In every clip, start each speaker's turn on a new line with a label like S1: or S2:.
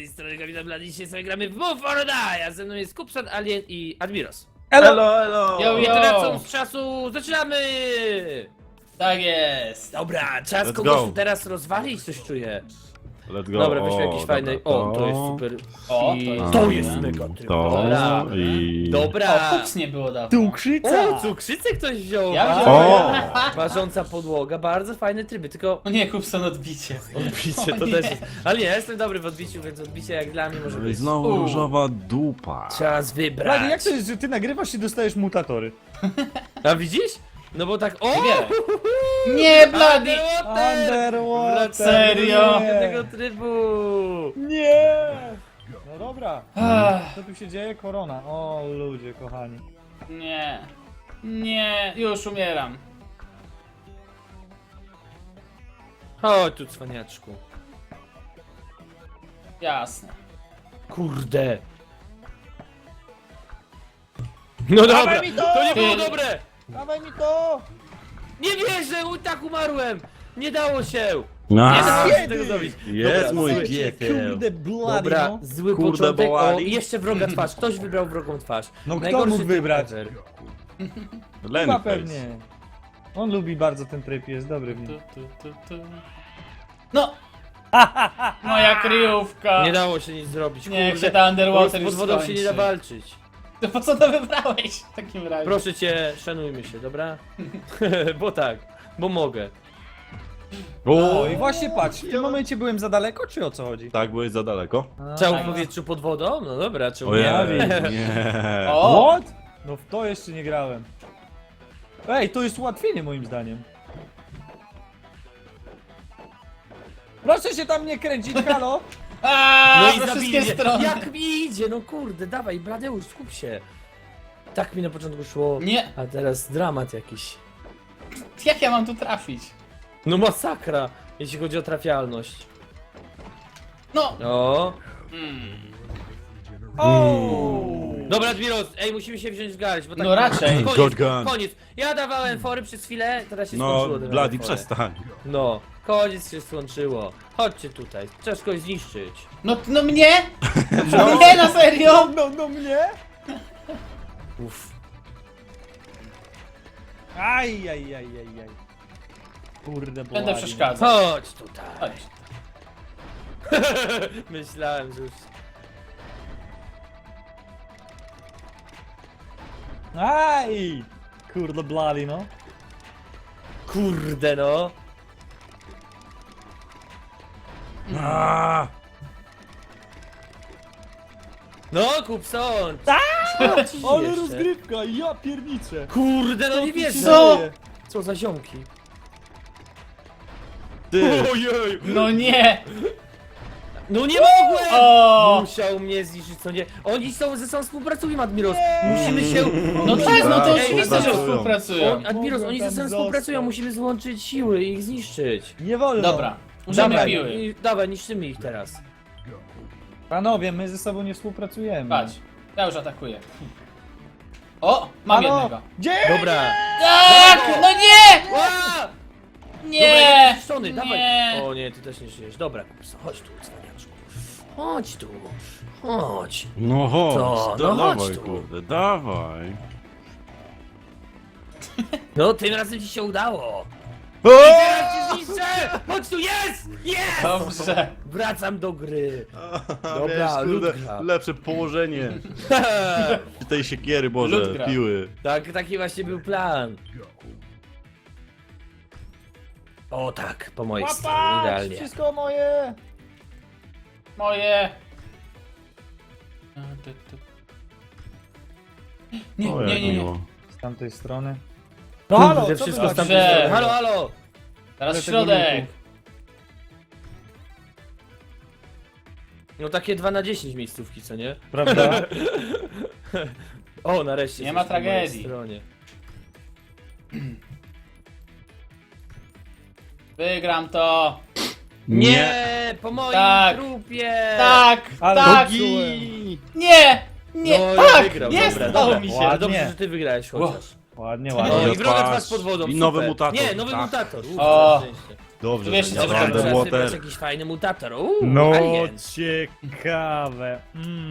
S1: strony Kapitan Blady. Dzisiaj sobie gramy w Move or Die, a ze mną jest Kupson, Alien i Admiros.
S2: Elo, elo!
S3: Yo,
S1: I
S3: yo.
S1: tracąc czasu, zaczynamy!
S3: Tak jest!
S1: Dobra, czas
S2: Let's
S1: kogoś
S2: go.
S1: tu teraz rozwalić, coś czuję.
S2: Let's go.
S1: Dobra, weźmy jakiś
S2: dobra,
S1: fajny... O, to jest super.
S3: O,
S1: I
S3: to jest
S1: to
S3: dobre.
S1: jest mega tryb.
S2: To
S1: Dobra.
S2: i...
S1: Dobra.
S3: O, kups nie było dawno.
S1: O, cukrzycę ktoś wziął.
S3: Ja
S1: A,
S3: wziąłem.
S1: Parząca podłoga, bardzo fajne tryby, tylko...
S3: O nie, kupson odbicie.
S1: Odbicie to
S3: O nie.
S1: też jest. Ale nie, ja jestem dobry w odbiciu, więc odbicie jak dla mnie może być.
S2: Znowu różowa dupa.
S1: Czas wybrać.
S4: Blady, jak to jest, że ty nagrywasz i dostajesz mutatory?
S1: A widzisz? No bo tak. O!
S3: Wybieraj. Nie, Blady!
S4: Underwater!
S3: Serio?
S4: Nie!
S1: Tego trybu!
S4: Nie! No dobra.
S3: Ach,
S4: Co tu się dzieje? Korona. O ludzie, kochani.
S3: nie. Nie, już umieram.
S1: Chodź tu, cwaniaczku.
S3: Jasne.
S1: Kurde. No dobra,
S4: Dawaj mi to!
S1: to nie było
S3: Ty-
S1: dobre!
S4: Dawaj mi to!
S1: Nie wierzę, tak umarłem! Nie dało się! Nie
S2: A,
S1: dało się
S4: kiedy?
S1: tego zrobić.
S2: Jest
S1: Dobra,
S2: mój
S1: słuchajcie,
S2: piekiel.
S4: Kurde, Blady,
S1: Dobra,
S4: no.
S1: zły
S2: Kurde,
S1: początek. O,
S2: Boali.
S1: jeszcze wroga twarz. Ktoś wybrał wrogą twarz.
S4: No kto
S1: Najgorszy
S4: mógł
S1: tryb
S4: wybrać?
S1: ever.
S4: Chyba
S2: Lenny
S4: pewnie. On lubi bardzo ten tryb, jest dobry w nim.
S3: Tu. No! Moja kryjówka!
S1: Nie dało się nic zrobić.
S3: Niech
S1: kurde.
S3: się ta Underwater
S1: Pod
S3: już
S1: wodą się nie da
S3: skończy.
S1: walczyć.
S3: To po co to wybrałeś w takim razie?
S1: Proszę cię, szanujmy się, dobra? Bo tak, bo mogę.
S4: O, i właśnie patrz, w tym momencie byłem za daleko, czy o co chodzi?
S2: Tak, byłeś za daleko?
S1: Czemu
S3: tak.
S1: w powietrzu pod wodą? No dobra, czemu
S2: Ojej,
S1: nie?
S2: nie.
S3: O!
S4: What? No w to jeszcze nie grałem. Ej, to jest ułatwienie moim zdaniem. Proszę się tam nie kręcić, halo!
S3: Aaaa,
S1: No i
S3: we
S1: zabij
S3: wszystkie
S1: mnie.
S3: strony!
S1: Jak mi idzie? No kurde, dawaj, Bladeusz, skup się. Tak mi na początku szło.
S3: Nie,
S1: A teraz dramat jakiś.
S3: jak ja mam tu trafić?
S1: No masakra, jeśli chodzi o trafialność.
S3: No!
S1: O.
S4: O!
S1: Dobra, Admiros, ej, musimy się wziąć w garść, bo tak...
S3: No raczej.
S2: Shotgun.
S1: Koniec. Ja dawałem fory przez chwilę, teraz się
S2: No,
S1: skończyło. dawałem
S2: Blady,
S1: fory.
S2: przestań.
S1: No, koniec się skończyło. Chodźcie tutaj, trzeba kogoś zniszczyć.
S3: No mnie? Nie, na serio?
S4: No mnie?
S1: Uff.
S4: Aj. Kurde,
S3: Będę
S4: Blady.
S3: przeszkadzał.
S1: Chodź tutaj.
S3: Chodź.
S1: Myślałem, że już...
S4: Aj! Kurde, Blady, no.
S1: Kurde no.
S2: A,
S1: No, Kupson!
S4: Ale rozgrywka, ja pierniczę.
S1: Kurde, no nie wierzę.
S3: Co?
S1: Co za ziomki.
S2: ty.
S1: Ojej!
S3: No nie!
S1: No nie mogłem!
S3: O!
S1: Musiał mnie zniszczyć, co nie? Oni są ze sobą współpracują, Admiros. Musimy się...
S3: No tak, no to
S1: Ej,
S3: oczywiste, że
S2: współpracują.
S3: współpracują.
S1: Admiros, oni ze sobą
S4: Mogłem tam
S1: współpracują,
S4: zostać.
S1: musimy złączyć siły i ich zniszczyć.
S4: Nie wolno.
S3: Dobra, użyjmy
S1: Dawaj,
S3: piły.
S1: dawaj, niszczymy ich teraz.
S4: Panowie, my ze sobą nie współpracujemy.
S3: Patrz, ja już atakuję. O! Mam
S4: Halo?
S3: jednego.
S4: Gdzie?
S1: Dobra.
S3: Tak! No nie!
S1: Ła!
S3: Nie!
S1: Zniszczony, dawaj.
S3: Nie!
S1: O nie, ty też nie żyjesz. Dobra, Kupson, chodź tu, cwaniaczku. Chodź tu. Chodź.
S2: No chodź,
S1: To, no chodź
S2: dawaj,
S1: tu.
S2: kurde, dawaj.
S1: No, tym razem ci się udało.
S2: O!
S1: Teraz cię zniszczę! Chodź tu, jest! Jest!
S3: Dobrze.
S1: Wracam do gry.
S2: Wiesz,
S1: Dobra,
S2: kurde,
S1: Ludka.
S2: lepsze położenie tej siekiery, Boże,
S3: Ludka.
S2: piły.
S1: Tak, taki właśnie był plan. O tak, po mojej stronie,
S4: Łapać!
S1: idealnie.
S4: Wszystko moje!
S3: Moje. Nie,
S2: O, jak
S3: nie.
S2: miło.
S4: Z tamtej strony.
S1: No
S4: No
S1: halo,
S4: halo, co
S1: wszystko
S4: wy
S1: z
S4: macie?
S1: tamtej strony.
S3: Dobrze.
S1: Halo, halo!
S3: Teraz
S4: Ale tego
S3: środek.
S4: lutu.
S1: No takie 2 na 10 miejscówki, co nie?
S4: Prawda?
S1: O, nareszcie.
S3: Nie ma
S1: coś po mojej
S3: tragedii.
S1: stronie.
S3: Wygram to.
S1: Nie, po moim
S3: Tak.
S1: trupie!
S3: Tak,
S4: Ale
S3: tak.
S2: Nogi!
S3: Nie, nie,
S1: No, ja
S3: tak.
S1: wygrał,
S3: Jest,
S1: dobra,
S3: udało
S1: dobra.
S3: mi się.
S1: Ale
S4: Ładnie.
S1: dobrze, że ty wygrałeś chociaż.
S4: Ładnie,
S1: O,
S4: ładnie.
S1: i wroga
S2: twarz.
S1: twarz pod wodą,
S2: I nowy
S1: super.
S2: mutator.
S1: Nie, nowy
S2: Tak.
S1: mutator.
S3: O.
S1: Na szczęście.
S2: Dobrze,
S3: Wiesz,
S2: że
S3: co
S2: nie
S3: trzeba
S2: Underwater.
S1: Teraz wybrać jakiś fajny mutator.
S4: No,
S1: Alien.
S4: ciekawe.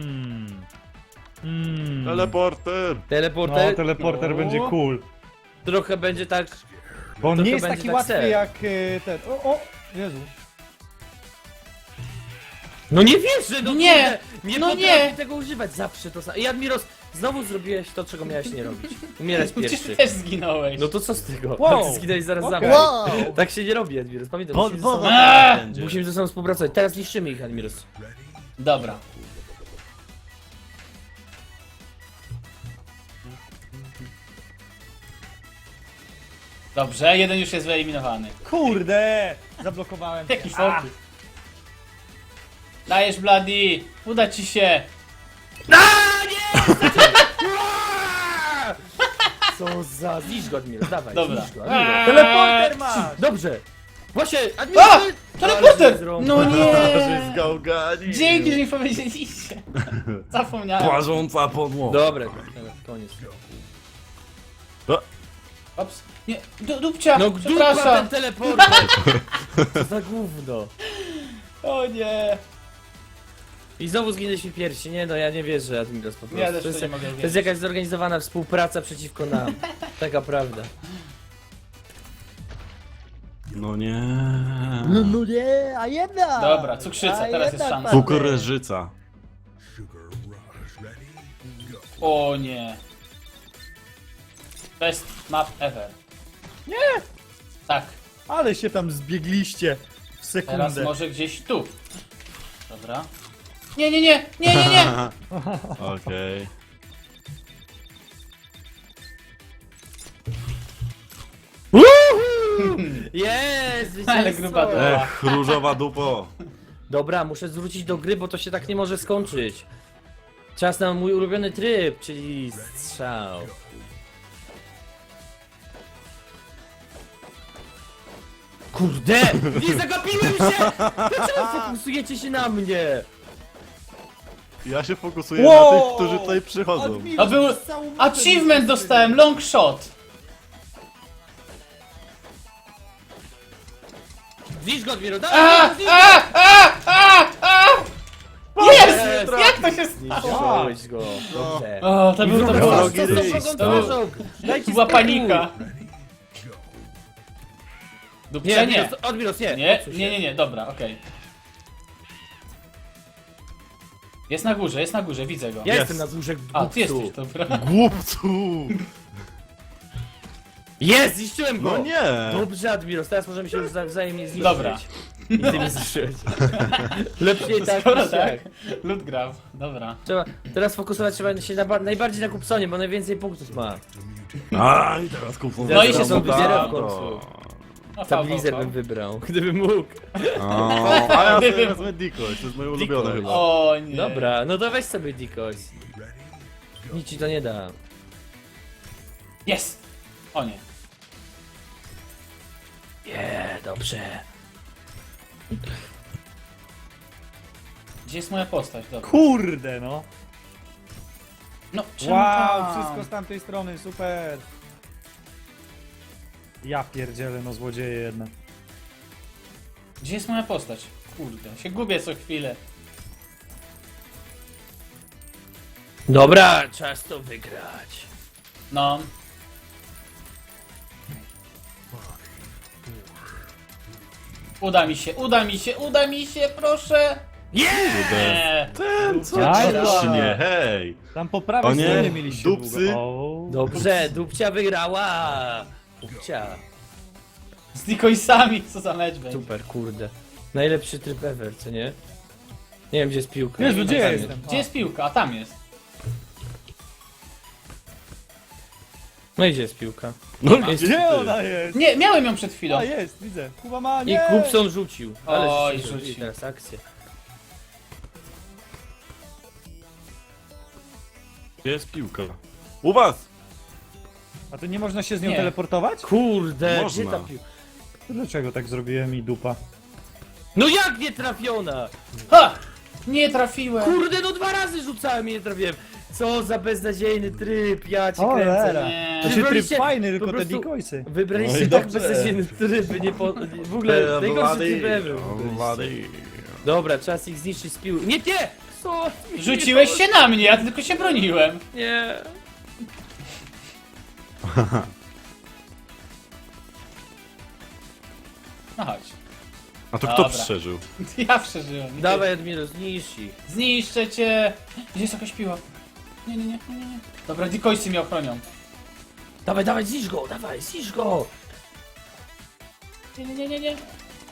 S2: Teleporter!
S4: No,
S1: Teleporter.
S4: teleporter
S3: No.
S4: będzie cool.
S1: Trochę będzie tak...
S4: Bo on
S1: Trochę
S4: nie jest
S1: będzie
S4: taki
S1: tak
S4: łatwy
S1: ser.
S4: jak ten. O, Jezu.
S1: No nie wierzę, no
S3: Nie,
S1: kurde, nie
S3: no
S1: potrafię
S3: nie.
S1: tego używać, zawsze to samo. I Admiros, znowu zrobiłeś to, czego miałeś nie robić. Umierać
S3: Przecież
S1: pierwszy.
S3: ty też zginąłeś.
S1: No to co z tego?
S4: Wow.
S1: Ty zginąłeś zaraz za
S4: Okej.
S1: mną.
S2: Wow!
S1: Tak się nie robi, Admiros, pamiętaj,
S2: Pod
S1: musimy, ze
S2: wodą
S1: sobą,
S3: Eee!
S2: będzie.
S1: musimy ze sobą współpracować. Teraz niszczymy ich, Admiros.
S3: Dobra. Dobrze, jeden już jest wyeliminowany.
S4: Kurde! Zablokowałem się.
S3: Jaki fokus. Dajesz, Bloody! Uda ci się!
S1: Co za... Zniszcz go, Admiros, dawaj,
S3: Dobra.
S1: zniszcz go, Admiros.
S4: Teleporter masz!
S1: Dobrze. Właśnie, Admiros...
S3: A! Teleporter!
S1: Ale
S3: No nie!
S2: Że zgałgani!
S3: Dzięki, że mi powiedzieliście. Zapomniałem.
S2: Płażąca podłoga.
S1: Dobra, koniec.
S3: Ops. Nie, dupcia!
S1: No dupa ten
S3: Przepraszam!
S1: teleporter! Co za gówno.
S3: O nie!
S1: I znowu zginęliśmy pierwsi, nie no ja nie wierzę, Admiros, po prostu.
S3: Ja też
S1: to, jest,
S3: to nie mogę
S1: to jest
S3: uwierzyć.
S1: jakaś zorganizowana współpraca przeciwko nam. Taka prawda.
S2: No nie.
S1: No nie, a jedna!
S3: Dobra, cukrzyca, teraz jest szansa.
S2: Kukurydżyca.
S3: O nie. Best map ever.
S4: Nie!
S3: Tak,
S4: Ale się tam zbiegliście w
S3: teraz
S4: sekundę.
S3: może gdzieś tu. Dobra. Nie, nie, nie! Nie, nie, nie!
S2: Okej.
S1: Jest!
S3: Ale gruba
S1: zwycięstwo!
S3: dupa.
S2: Różowa dupo.
S1: Dobra, muszę zwrócić do gry, bo to się tak nie może skończyć. Czas na mój ulubiony tryb, czyli strzał. Kurde! Nie zagapiłem się! Dlaczego fokusujecie się na mnie?
S2: Ja się fokusuję
S4: Wow!
S2: na tych, którzy tutaj przychodzą.
S4: Admiros,
S3: A był...
S4: z całą mapę
S3: Achievement
S4: mi
S3: dostałem, long shot!
S1: Zniszcz go, Admiro,
S3: A,
S1: dawaj! zniszcz go!
S3: Jest! Jak to się stało?
S1: Zniszczyłeś go, dobrze.
S3: O, to był to
S1: Wrogi
S3: było...
S2: wrogi
S1: ryj,
S2: ryj.
S1: twarzą. Dajcie
S3: Była
S1: spokój.
S3: panika.
S1: Nie,
S3: Dupcia nie.
S1: Admiros, nie.
S3: Nie,
S1: odsuń się.
S3: nie, nie, nie, dobra, okej. Jest na górze, widzę go.
S1: Ja
S2: Jest.
S1: jestem na górze
S3: A, ty
S1: głupcu.
S3: jesteś, dobra.
S2: Głupcu!
S1: Jest, zniszczyłem go!
S2: No nie!
S1: Dobrze, Admiros, teraz możemy się już wzajemnie zniszczyć.
S3: Dobra.
S1: I ty mnie zniszczyłeś. Lepiej tak
S3: Skoro
S1: niż
S3: tak,
S1: jak.
S3: loot grab, dobra.
S1: Trzeba, teraz fokusować trzeba się najbardziej na Kupsonie, bo najwięcej punktów ma.
S2: A i teraz kupą.
S3: No i się
S1: Teraz
S3: są
S1: wybieram w
S3: wybiera
S1: końcu.
S3: No,
S1: Stabilizer bym wybrał, gdybym mógł.
S2: A ja sobie wezmę Dikoś, to jest moje ulubione chyba.
S3: O nie.
S1: Dobra, no to weź sobie Dikoś. Nic ci to nie da.
S3: Jest! O nie.
S1: Nie, dobrze.
S3: Gdzie jest moja postać? Dobra.
S4: Kurde, no.
S3: No, czemu
S4: Wow,
S3: tam?
S4: wszystko z tamtej strony, super. Ja pierdzielę, no złodzieje jedna.
S3: Gdzie jest moja postać? Kurde, się gubię co chwilę.
S1: Dobra, czas to wygrać.
S3: No. Uda mi się, uda mi się, uda mi się, proszę! Nie!
S2: Ten co
S4: Jajda.
S2: ciśnie, hej!
S4: Tam po prawej
S2: O nie,
S4: stronie mieliście
S2: dupcy.
S4: długo. O.
S1: Dobrze, Dupcia wygrała. Dupcia.
S3: Z Dikoisami, co za mecz będzie.
S1: Super, kurde. Najlepszy tryb ever, co nie? Nie wiem, gdzie jest piłka.
S4: Jezu, gdzie ja
S1: Tam
S4: jestem?
S3: Gdzie jest piłka? A tam jest.
S1: No i gdzie jest piłka?
S2: No
S1: Jest-
S4: Gdzie ona jest?
S3: Nie, miałem ją przed chwilą.
S4: A jest, widzę. Kuba ma,
S1: I
S4: nie!
S1: Kupson rzucił. Ale
S3: Oj,
S1: żeście zrobili
S3: rzucił.
S1: teraz akcję.
S2: Gdzie jest piłka? U was!
S4: A to nie można się z nią
S3: Nie.
S4: teleportować?
S1: Kurde,
S2: Można.
S1: gdzie ta piłka?
S4: Dlaczego tak zrobiłem i dupa?
S1: No jak nie trafiona?
S3: Ha! Nie trafiłem.
S1: Kurde, no 2 razy rzucałem i nie trafiłem. Co za beznadziejny tryb, ja cię
S4: Cholera.
S1: kręcę.
S3: Nie.
S4: To się tryb
S1: Wybraliście-
S4: fajny,
S1: po
S4: tylko te
S1: prostu-
S4: decoysy.
S1: Wybraliście
S2: No i
S1: tak
S2: dobrze.
S1: beznadziejny tryb, nie po... W ogóle najgorszy tryb ever. wybraliście. Dobra, czas ich zniszczyć z piły. Nie, nie! Co?
S3: Rzuciłeś się na mnie, ja tylko się broniłem.
S1: Nie.
S3: No chodź.
S2: A to kto
S3: Dobra.
S2: przeżył?
S3: Ja przeżyłem.
S1: Dawaj, Admiro, zniszcz ich.
S3: Zniszczę cię. Gdzie jest jakaś piła? Nie, nie, nie, nie, nie. Dobra, decoysy mnie ochronią.
S1: Dawaj, dawaj, zniszcz go, dawaj, zniszcz go!
S3: Nie, nie, nie, nie, nie.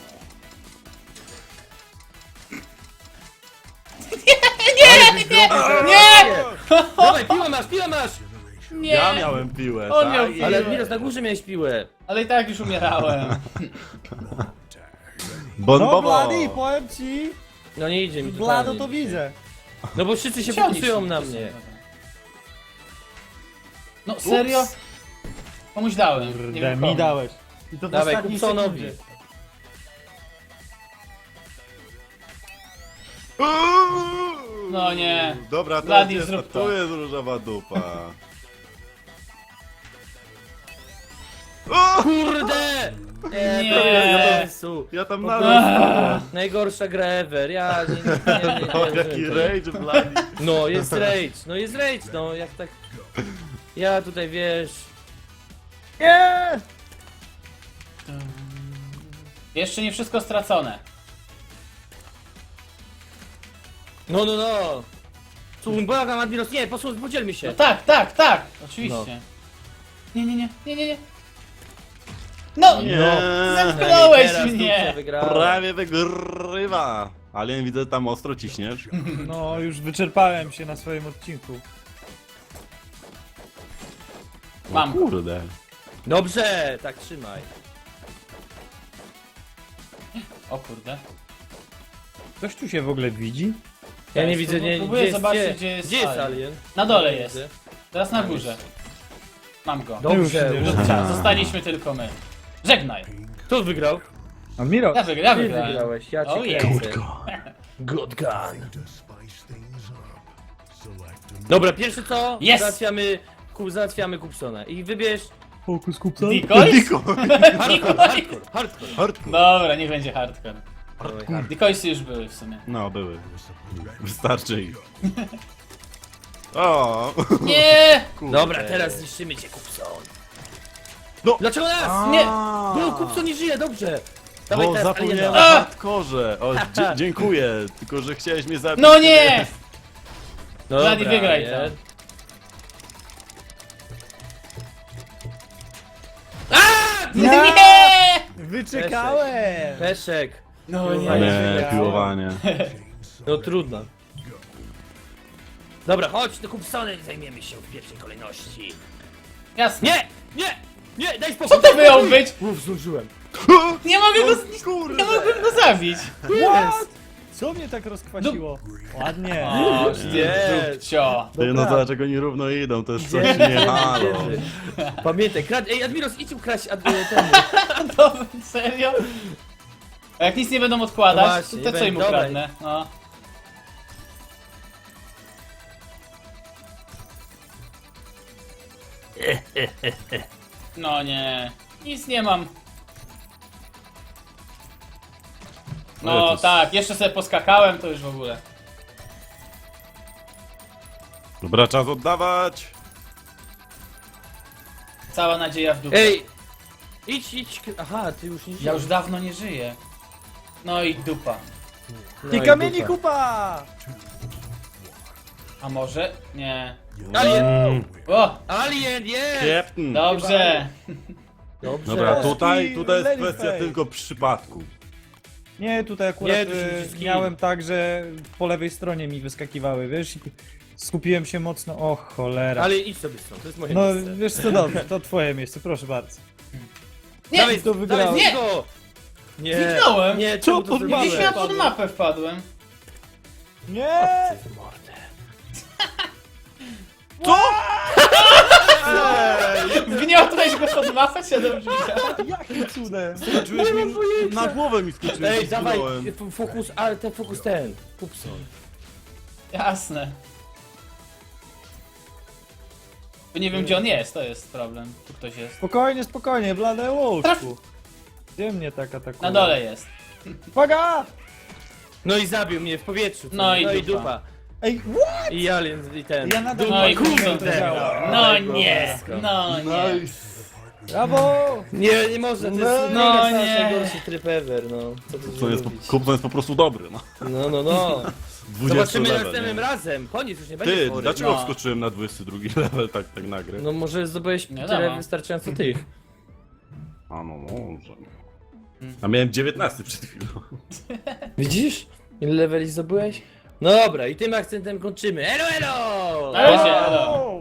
S1: Nie! Dawaj, piłę masz, piłę masz!
S3: Nie.
S2: Ja miałem piłę,
S3: On
S2: tak?
S3: miał
S2: I-
S3: piłę.
S1: Ale Admiros, na górze miałeś piłę.
S3: Ale i tak już umierałem.
S2: Bon
S4: No
S2: Bobo!
S4: Blady, powiem ci,
S1: No nie idzie mi to
S4: Blado to widzę.
S1: No bo wszyscy się
S3: Ciągnij
S1: fokusują
S3: się,
S1: na
S3: to
S1: mnie.
S3: są, dobra. No serio?
S2: Ups.
S3: Komuś dałem. Nie
S4: Kurde,
S3: wiem
S4: mi
S3: komu.
S4: dałeś. I to w
S1: Dawaj,
S4: ostatniej
S1: Kupsonowi.
S4: sekundzie.
S3: No nie.
S2: Dobra, to
S3: Blady,
S2: jest,
S3: zrób to.
S2: to jest różowa dupa.
S1: Kurde!
S3: Nie.
S1: prawie pomysłu.
S2: Ja tam
S1: Po
S2: nawet...
S1: Najgorsza gra ever, ja nie
S2: O, jaki rage, Blady.
S1: No, jest rage, no jak tak... Ja tutaj, wiesz...
S4: Nie!
S3: Jeszcze nie wszystko stracone.
S1: No, no, no! Słuchaj, błagam, Admiros, nie, podzielmy się.
S3: No tak, tak, tak. Oczywiście.
S1: No.
S3: Nie, nie, nie, nie, nie, nie. No!
S2: Nie.
S3: Zepchnąłeś
S1: Teraz
S3: mnie!
S1: Dupcia wygrała.
S2: Prawie wygrywa. Alien, widzę, tam ostro ciśniesz.
S4: No, już wyczerpałem się na swoim odcinku.
S3: Mam go.
S2: Kurde.
S1: Dobrze, tak trzymaj.
S3: O kurde.
S4: Ktoś tu się w ogóle widzi?
S1: Ja nie
S3: Jest,
S1: widzę, nie,
S3: próbuję
S1: gdzie
S3: zobaczyć,
S1: jest,
S3: gdzie jest
S1: gdzie jest
S3: alien.
S1: alien?
S3: Na dole
S1: Nie
S3: jest.
S1: widzę.
S3: Teraz na górze. Mam go.
S1: Dobrze,
S4: Już nie
S3: Lubcia, zostaliśmy tylko my. Żegnaj.
S1: kto wygrał?
S4: Admiro,
S3: Ja wygrałem.
S1: Ty wygrałeś, ja cię
S3: Oh yeah.
S1: kręcę. Good gun. Dobra, pierwsze co?
S3: Yes!
S1: Załatwiamy Kupsona. I wybierz...
S4: fokus kupca.
S3: Decoys?
S2: Diko.
S1: Hardcore.
S2: Hardcore.
S3: Dobra, niech będzie hardcore.
S1: Dawaj,
S3: Decoysy już były w sumie.
S2: No, były. Wystarczy ich. O,
S3: Nie!
S2: kurde.
S1: Dobra, teraz zniszczymy cię, Kupson.
S2: No.
S1: Dlaczego nas?
S3: Nie!
S1: No, Kupson nie żyje, dobrze. Dawaj
S2: Bo
S1: teraz
S2: zapomniałem o
S1: aliena.
S2: hardkorze. O, dziękuję, tylko że chciałeś mnie zabić.
S3: No nie!
S1: Dobra,
S3: Blady, wygraj
S1: nie?
S3: to. Nie!
S4: Wyczekałem!
S1: Peszek.
S3: No
S1: Nie.
S3: nie.
S2: Nie, piłowanie.
S1: No trudno. Dobra, chodź, do Kupsonem zajmiemy się w pierwszej kolejności.
S3: Jasne.
S1: Nie! Nie! Nie! Daj spokój!
S3: Co to
S1: daj
S3: miało
S1: spokój!
S3: być?
S1: Uf, zdążyłem.
S3: Nie mogę go zniszczyć.
S2: Kurde.
S3: Nie mogłem go zabić.
S4: What? Co mnie tak rozkwasiło? Ładnie.
S3: O,
S1: Nie.
S3: dupcio.
S2: Ty, no
S1: Dobra.
S2: zobacz, jak oni równo idą, to jest coś
S1: Idziemy,
S2: nie halo.
S1: idziemy. Pamiętaj, ej, Admiros, idź ukraść temu.
S3: Dobra, serio? A jak nic nie będą
S1: No
S3: odkładać,
S1: właśnie,
S3: to co im
S1: dawaj.
S3: ukradnę? No. No nie, nic nie mam.
S2: Ale
S3: No
S2: to jest-
S3: tak, jeszcze sobie poskakałem, to już w ogóle.
S2: Dobra, czas oddawać.
S3: Cała nadzieja w dupę.
S1: Ej! Idź. Aha, ty już nie
S3: Ja
S1: żyjesz.
S3: już dawno nie żyję. No i dupa.
S1: No
S4: I
S1: i
S4: kamieni
S1: dupa.
S4: kupa!
S3: A może? Nie.
S1: Alien!
S3: O!
S1: Alien, jest!
S2: Captain.
S3: Dobrze.
S1: Dobrze.
S2: Dobra,
S4: Polski
S2: tutaj jest
S4: Lady
S2: kwestia
S4: Fake.
S2: tylko przypadku.
S4: Nie, tutaj akurat
S1: Nie, tu się wszystkim.
S4: miałem tak, że po lewej stronie mi wyskakiwały, wiesz? I skupiłem się mocno, o cholera.
S1: Ale idź sobie stąd, to jest moje
S4: No
S1: miejsce.
S4: wiesz co, dobrze, to twoje miejsce, proszę bardzo.
S3: Nie!
S1: Dawaj,
S4: to wygrałeś.
S1: dawaj,
S3: Nie!
S1: go! Nie!
S3: Zniknąłem.
S1: Nie,
S4: Co
S1: czemu to
S4: pod
S1: zrobiłeś?
S3: Gdzieś ja pod mapę wpadłem.
S4: Nie!
S1: W mordę.
S3: Wgniotłeś go pod mapę, się dobrze widziałem.
S4: Jakim cudem?
S2: Skoczyłeś mi na głowę mi skoczyłeś.
S1: Ej, dawaj,
S2: zginąłem.
S1: fokus, ale ten fokus ten. Kupson.
S3: Jasne. Bo nie wiem gdzie on jest, to jest problem. Tu ktoś jest.
S4: Spokojnie, spokojnie, blade łóżku. Gdzie mnie tak atakuje?
S3: Na dole jest.
S4: Uwaga!
S1: No i zabił mnie w powietrzu. co
S3: No
S1: nie?
S3: i dupa.
S4: Ej, what?
S1: I alien, i ten.
S4: Ja nadal
S3: No i
S4: nie wiem, jak to
S3: kurde.
S4: działa.
S3: No nie, no nie.
S4: Brawo!
S1: Nie może, to jest
S4: No
S1: no,
S3: nie.
S1: najgorszy tryb ever, no. Co tu
S2: To jest,
S1: zrobić?
S2: Kupson jest po prostu dobry, no.
S1: No.
S2: 20
S1: Zobaczymy
S2: level,
S1: następnym
S2: nie?
S1: razem. Koniec, już nie będzie
S2: Ty,
S1: chory.
S2: dlaczego
S3: No.
S2: wskoczyłem na 22 level tak nagle?
S1: No może zdobyłeś
S3: Nie
S1: tyle
S3: wiadomo.
S1: wystarczająco tych.
S2: A no może. A miałem 19 przed chwilą.
S1: Widzisz? Ile leveli zdobyłeś? No dobra, i tym akcentem kończymy. Elo, elo!
S3: Na razie, elo.